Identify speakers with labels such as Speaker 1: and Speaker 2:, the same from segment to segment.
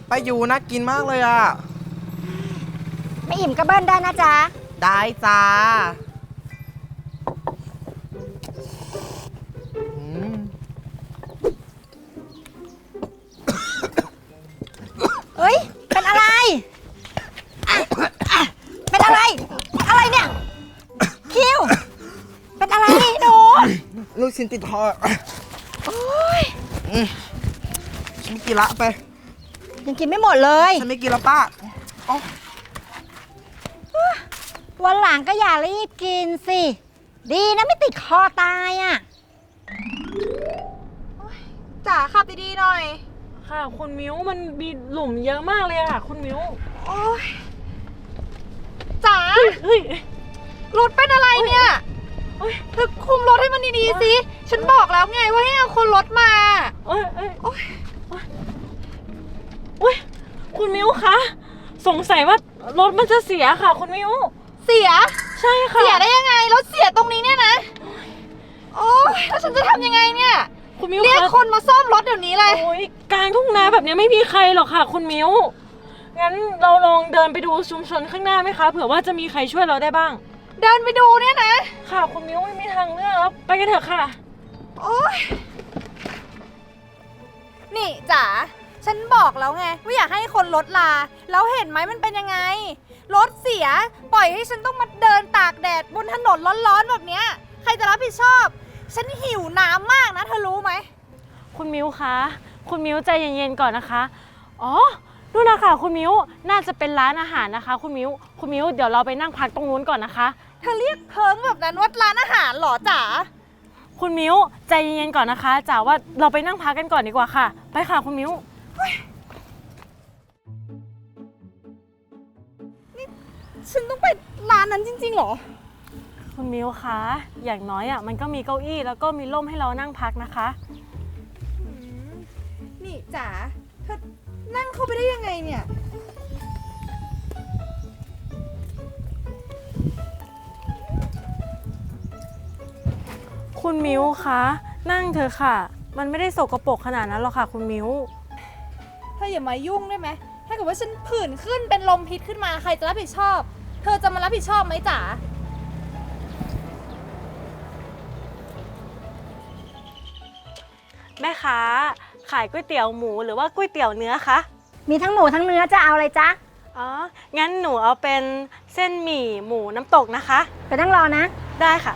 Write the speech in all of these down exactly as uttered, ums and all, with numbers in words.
Speaker 1: ป้ายูน่ากินมากเลยอ่ะ
Speaker 2: ไม่อิ่มก็เบิ้ลได้นะจ๊ะ
Speaker 1: ได้จ้า
Speaker 2: เฮ้ยเป็นอะไรเป็นอะไรอะไรเนี่ยคิวเป็นอะไรหนู
Speaker 1: ลูกชิ้นติดคอ
Speaker 2: โอ้ย
Speaker 1: ฉันไม่กินละไป
Speaker 2: ยังกินไม่หมดเลย
Speaker 1: ฉันไม่กินละป้า
Speaker 2: วันหลังก็อย่ารีบกินสิดีนะไม่ติดคอตายอ่ะจ๋าขับดีๆหน่อย
Speaker 3: ค่ะคุณมิ้วมันมีหลุมเยอะมากเลยค่ะคุณมิ้ว
Speaker 2: โอ้ยจ๋าเฮ้ยรถเป็นอะไรเนี่ยเธอคุมรถให้มันดีๆสิฉันบอกแล้วไงว่าให้เอาคนรถมา
Speaker 3: โอ้ยโอ้ยโอ้ยโอ้ยคุณมิ้วคะสงสัยว่ารถมันจะเสียค่ะคุณมิ้ว
Speaker 2: เสีย
Speaker 3: ใช่ค่ะ
Speaker 2: เสียได้ยังไงรถเสียตรงนี้เนี่ยนะโอ้ยแล้วฉันจะทำยังไงเนี่ย
Speaker 3: คุณมิ้ว
Speaker 2: เรียกคนมาซ่อมรถเดี๋ยวนี้เลย
Speaker 3: โอ้ยกลางทุ่งนาแบบนี้ไม่มีใครหรอกค่ะคุณมิ้วงั้นเราลองเดินไปดูชุมชนข้างหน้าไหมคะเผื่อว่าจะมีใครช่วยเราได้บ้าง
Speaker 2: เดินไปดูเนี่ยนะ
Speaker 3: ค่ะคุณมิ้วไม่มีทางเลือกแล้วไปกันเถอะค่ะ
Speaker 2: โอ๊ยนี่จ๋าฉันบอกแล้วไงว่าอยากให้คนรถลาแล้วเห็นไหมมันเป็นยังไงรถเสียปล่อยให้ฉันต้องมาเดินตากแดดบนถนนร้อนๆแบบเนี้ยใครจะรับผิดชอบฉันหิวน้ำมากนะเธอรู้ไหม
Speaker 3: คุณมิ้วคะคุณมิ้วใจเย็นๆก่อนนะคะอ๋อนู่นนะคะคุณมิ้วน่าจะเป็นร้านอาหารนะคะคุณมิ้วคุณมิ้วเดี๋ยวเราไปนั่งพักตรงนู้นก่อนนะคะ
Speaker 2: เธอเรียกเพิงแบบนั้นว่าร้านอาหารหรอจ๋า
Speaker 3: คุณมิ้วใจเย็นๆก่อนนะคะจ๋าว่าเราไปนั่งพักกันก่อนดีกว่าค่ะไปค่ะคุณมิ้ว
Speaker 2: นี่ฉันต้องไปร้านนั้นจริงๆหรอ
Speaker 3: คุณมิ้วคะอย่างน้อยอ่ะมันก็มีเก้าอี้แล้วก็มีร่มให้เรานั่งพักนะคะ
Speaker 2: นี่จ๋าเธอนั่งเข้าไปได้ยังไงเนี่ย
Speaker 3: คุณมิ้วคะนั่งเถอะค่ะมันไม่ได้สกปรกขนาดนั้นหรอกค่ะคุณมิ้ว
Speaker 2: เธออย่ามายุ่งได้ไหมถ้าเกิดว่าฉันผื่นขึ้นเป็นลมพิษขึ้นมาใครจะรับผิดชอบเธอจะมารับผิดชอบไหมจ๋า
Speaker 3: แม่ค้าขายก๋วยเตี๋ยวหมูหรือว่าก๋วยเตี๋ยวเนื้อคะ
Speaker 2: มีทั้งหมูทั้งเนื้อจะเอาอะไรจ๊ะ
Speaker 3: อ๋องั้นหนูเอาเป็นเส้นหมี่หมูน้ำตกนะคะ
Speaker 2: ไปนั่งรอนะ
Speaker 3: ได้ค่ะ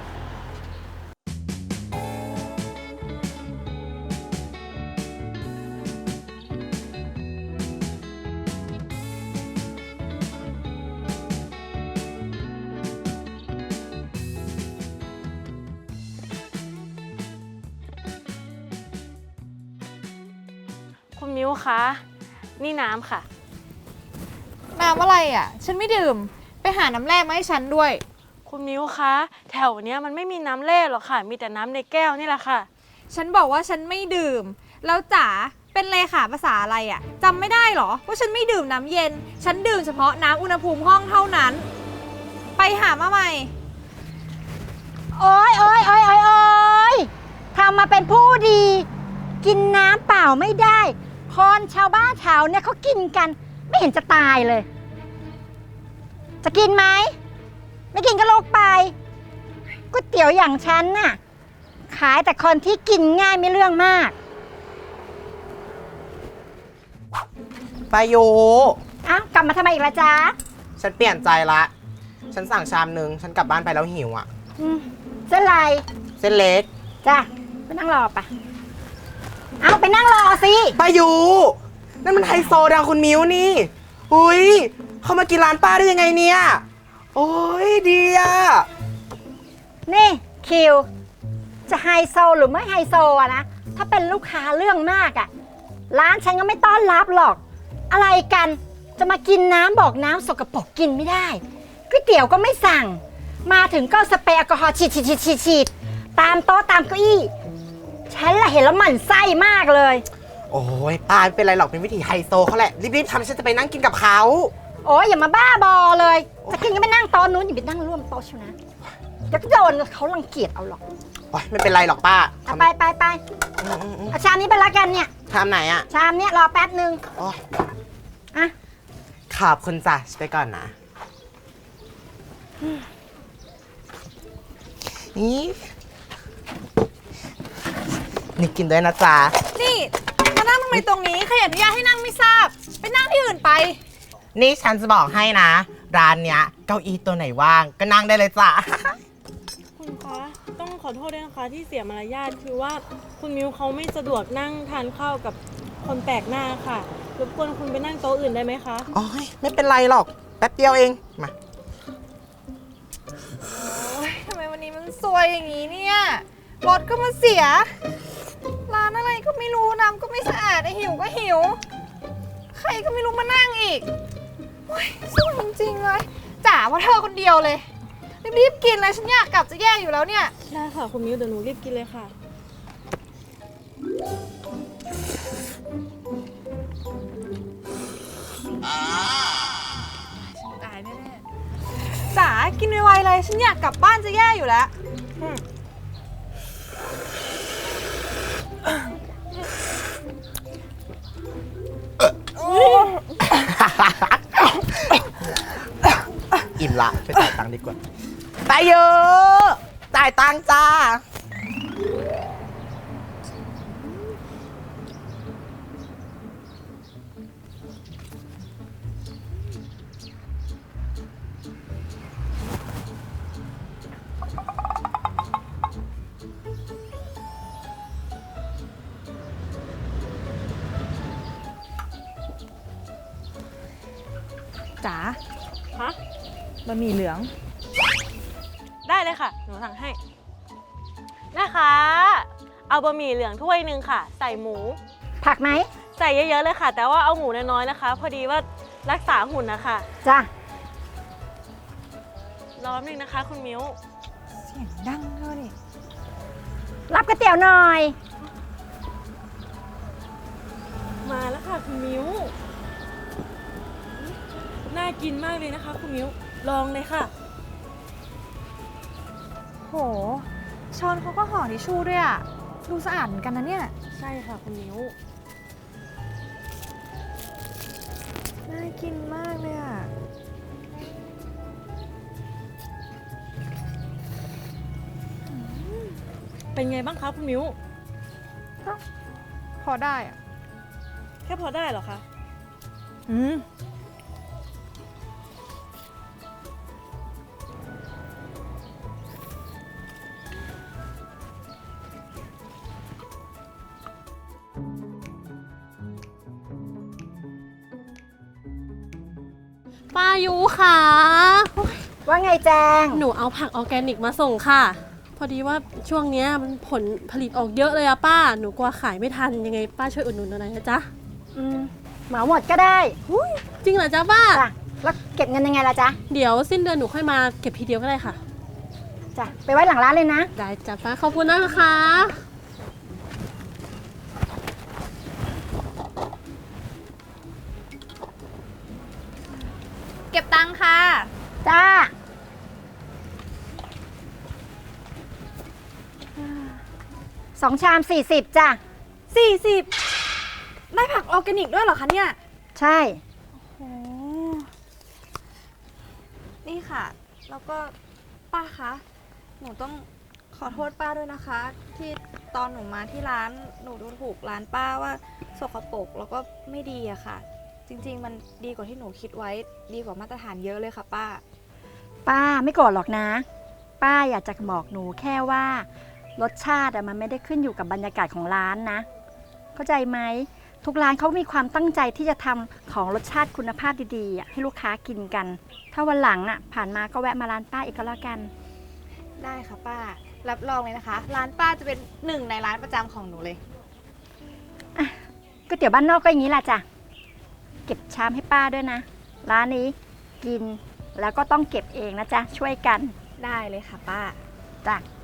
Speaker 3: คุณมิ้วคะนี่น้ำค่ะ
Speaker 2: น้ำอะไรอ่ะฉันไม่ดื่มไปหาน้ำแร่มาให้ฉันด้วย
Speaker 3: คุณมิ้วคะแถวเนี้ยมันไม่มีน้ำแร่หรอกค่ะมีแต่น้ำในแก้วนี่แหละค่ะ
Speaker 2: ฉันบอกว่าฉันไม่ดื่มแล้วจ๋าเป็นเลขาภาษาอะไรอ่ะจำไม่ได้หรอว่าฉันไม่ดื่มน้ำเย็นฉันดื่มเฉพาะน้ำอุณหภูมิห้องเท่านั้นไปหามาใหม่โอ๊ยโอ๊ยโอ๊ยโอ๊ยโอ๊ยทำมาเป็นผู้ดีกินน้ำเปล่าไม่ได้คนชาวบ้านแถวเนี่ยเขากินกันไม่เห็นจะตายเลยจะกินไหมไม่กินก็ลุกไปก๋วยเตี๋ยวอย่างฉันน่ะขายแต่คนที่กินง่ายไม่เรื่องมาก
Speaker 1: ป้ายู
Speaker 2: อ้าวกลับมาทำไมอีกล่ะจ๊ะ
Speaker 1: ฉันเปลี่ยนใจละฉันสั่งชามนึงฉันกลับบ้านไปแล้วหิวอ่ะ
Speaker 2: เส้นอะไร
Speaker 1: เส้นเล็ก
Speaker 2: จ้ะไปนั่งรอปะเอาไปนั่งรอสิ
Speaker 1: ป้ายูนั่นมันไฮโซดังคุณมิ้วนี่อุ้ยเขามากินร้านป้าได้ยังไงเนี่ยโอ้ยดีอ่ะ
Speaker 2: นี่คิวจะไฮโซหรือไม่ไฮโซอะนะถ้าเป็นลูกค้าเรื่องมากอะร้านฉันก็ไม่ต้อนรับหรอกอะไรกันจะมากินน้ำบอกน้ำสกปรกกินไม่ได้ก๋วยเตี๋ยวก็ไม่สั่งมาถึงก็สเปรย์แอลกอฮอล์ฉีดฉีดฉีดฉีดฉีดตามโต๊ะตามเก้าอี้ฉันละเห็นแล้วหมั่นไส้มากเลย
Speaker 1: โอ้ยป้าไม่เป็นไรหรอกเป็นวิธีไฮโซเขาแหละรีบๆทำฉันจะไปนั่งกินกับเขา
Speaker 2: โอ้ยอย่ามาบ้าบอเลยจะกินก็ไปนั่งโต๊ะนู้นอย่าไปนั่งร่วมโต๊ะชิวนะเดี๋ยวก็โดนเขารังเกียจเอาหรอก
Speaker 1: โอ้ยไม่เป็นไรหรอกป้า
Speaker 2: ไปไปไปเอาชามนี้ไปละกันเนี่ย
Speaker 1: ชามไหนอะ
Speaker 2: ชามเนี้ยรอแป๊บนึง
Speaker 4: อ่ะ
Speaker 1: ขอบคุณจ้ะไปก่อนนะนี่นี่กินด้วยนะจ๊ะ
Speaker 2: นี่มานั่งทำไมตรงนี้ใครอนุญาตให้นั่งไม่ทราบ ไปนั่งที่อื่นไป
Speaker 1: นี่ฉันจะบอกให้นะ ร้านเนี้ยเก้าอี้ตัวไหนว่างก็นั่งได้เลยจ้ะ
Speaker 3: คุณคะต้องขอโทษด้วยนะคะที่เสียมารยาทคือว่าคุณมิวเขาไม่สะดวกนั่งทานข้าวกับคนแปลกหน้าค่ะรบกวนคุณไปนั่งโต๊ะอื่นได้ไหมคะ
Speaker 1: โอ้ยไม่เป็นไรหรอกแป๊บเดียวเองมา
Speaker 2: โอ๊ยทำไมวันนี้มันซวยอย่างนี้เนี่ยรถก็มาเสีย ร้านอะไรก็ไม่รู้น้ำก็ไม่สะอาดไอหิวก็หิว ใครก็ไม่รู้มานั่งอีกโอ๊ยซวยจริงๆเลยจ๋าว่าเธอคนเดียวเลย รีบๆกินเลยฉันอยากกลับจะแย่อยู่แล้วเนี่ย
Speaker 3: ได้ค่ะคุณมิวเดี๋ยวหนูรีบกินเลยค่ะ
Speaker 2: ตายแน่ๆจ๋ากินไวๆเลยฉันอยากกลับบ้านจะแย่อยู่แล้วอืม
Speaker 1: อิ่มละไปจ่ายตังค์ดีกว่าไปเยอะจ่ายตังค์จ้า
Speaker 2: จ๋า
Speaker 3: ฮะ
Speaker 2: บะหมี่เหลือง
Speaker 3: ได้เลยค่ะ หนูสั่งให้ นะคะ เอาบะหมี่เหลืองถ้วยหนึ่งค่ะ ใส่หมู
Speaker 4: ผักไหม
Speaker 3: ใส่เยอะๆเลยค่ะ แต่ว่าเอาหมูน้อยๆนะคะ พอดีว่ารักษาหุ่นนะคะ
Speaker 4: จ้ะ
Speaker 3: รอแป๊บนึงนะคะ คุณมิว
Speaker 2: เสียงดังด้วยนี่
Speaker 4: รับก๋วยเตี๋ยวหน่อย
Speaker 3: มาแล้วค่ะคุณมิวน่ากินมากเลยนะคะ คุณมิวลองเลยค่ะ
Speaker 2: โหช้อนเขาก็ห่อทิชชู่ด้วยอะดูสะอาดเหมือนกันนะเนี่ย
Speaker 3: ใช่ค่ะคุณมิว
Speaker 2: น่ากินมากเลยอะ
Speaker 3: เป็นไงบ้างคะคุณมิว
Speaker 2: พอได้อะ
Speaker 3: แค่พอได้เหรอคะ
Speaker 2: อืม
Speaker 5: ป้ายุค่ะ
Speaker 4: ว่าไงแจง
Speaker 5: หนูเอาผักออร์แกนิกมาส่งค่ะ พอดีว่าช่วงเนี้ยมันผลผลิตออกเยอะเลยอะป้า หนูกลัวขายไม่ทัน ยังไงป้าช่วยอุดหนุนหน่อยนะจ๊ะ
Speaker 4: อืมเหมาหมดก็ได้
Speaker 5: จริงเหรอจ๊ะป้า
Speaker 4: จ้ะ แล้วเก็บเงินยังไงล่ะจ๊ะ
Speaker 5: เดี๋ยวสิ้นเดือนหนูค่อยมาเก็บทีเดียวก็ได้ค่ะ
Speaker 4: จ้ะ ไปไว้หลังร้านเลยนะ
Speaker 5: ได้จ้ะป้า ขอบคุณนะคะ
Speaker 2: เก็บตังค่ะ
Speaker 4: จ้า สองชามสี่สิบจ้ะ
Speaker 2: สี่สิบได้ผักออร์แกนิกด้วยเหรอคะเนี่ย
Speaker 4: ใช่
Speaker 2: โอ้นี่ค่ะ แล้วก็ป้าคะ หนูต้องขอโทษป้าด้วยนะคะ ที่ตอนหนูมาที่ร้านหนูดูถูกร้านป้าว่าสกปรกแล้วก็ไม่ดีอะค่ะ จริงๆ มันดีกว่าที่หนูคิดไว้ดีกว่ามาตรฐานเยอะเลยค่ะป้า
Speaker 4: ป้าไม่โกรธหรอกนะ ป้าอยากจะบอกหนูแค่ว่า รสชาติอะมันไม่ได้ขึ้นอยู่กับบรรยากาศของร้านนะ เข้าใจไหม ทุกร้านเขามีความตั้งใจที่จะทำของรสชาติคุณภาพดีๆอะให้ลูกค้ากินกัน ถ้าวันหลังอ่ะผ่านมาก็แวะมาร้านป้าอีกก็แล้วกัน
Speaker 2: ได้ค่ะป้า รับรองเลยนะคะ ร้านป้าจะเป็นหนึ่งในร้านประจำของหนูเลย
Speaker 4: ก๋วยเตี๋ยวบ้านนอกก็อย่างนี้แหละจ้ะ เก็บชามให้ป้าด้วยนะ ร้านนี้กินแล้วก็ต้องเก็บเองนะจ๊ะ ช่วยกัน
Speaker 2: ได้เลยค่ะป้า
Speaker 4: จ้ะ
Speaker 2: ข